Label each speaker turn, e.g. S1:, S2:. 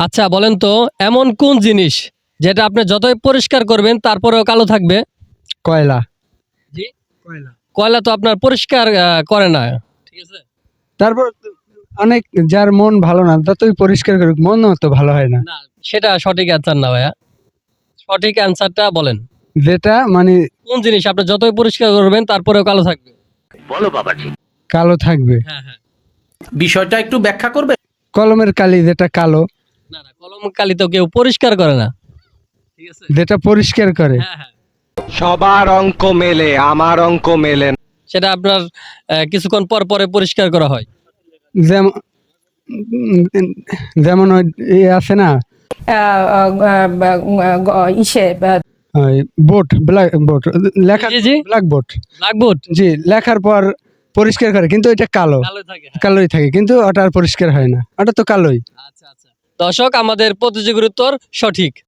S1: আচ্ছা বলেন তো, এমন কোন জিনিস যেটা আপনি যতই পরিষ্কার করবেন তারপরেও কালো থাকবে?
S2: কয়লা।
S1: জি, কয়লা তো আপনার পরিষ্কার করে না, ঠিক আছে?
S2: তারপর অনেক যার মন ভালো না ততই পরিষ্কার করুক, মনও তো ভালো হয় না।
S1: না, সেটা সঠিক অ্যান্সার না ভাইয়া। সঠিক অ্যান্সারটা বলেন।
S2: যেটা মানে
S1: কোন জিনিস আপনি যতই পরিষ্কার করবেন তারপরেও কালো থাকবে?
S2: কালো থাকবে।
S1: হ্যাঁ হ্যাঁ।
S3: বিষয়টা একটু ব্যাখ্যা করবে?
S2: কলমের কালি যেটা কালো,
S1: না না, কলম কালি তো কেউ পরিষ্কার করে না, ঠিক আছে?
S2: যেটা পরিষ্কার করে।
S1: হ্যাঁ হ্যাঁ।
S4: সবার অঙ্ক মেলে, আমার অঙ্ক মেলে না।
S1: সেটা আপনার কিছুক্ষণ পর পরে পরিষ্কার করা হয়।
S2: যেমন যেমন ওই আছে না,
S5: ইসে
S2: ওই বোর্ড, ব্ল্যাক বোর্ড লেখা,
S1: জি, জি।
S2: Black board.
S1: ব্ল্যাকবোর্ড
S2: জি, লেখার পর পরিষ্কার করে কিন্তু এটা কালো,
S1: কালো থাকে, হ্যাঁ।
S2: কালোই থাকে কিন্তু ওটা আর পরিষ্কার হয় না, ওটা তো কালোই।
S1: আচ্ছা আচ্ছা, দর্শক আমাদের প্রতিযোগীর উত্তর সঠিক।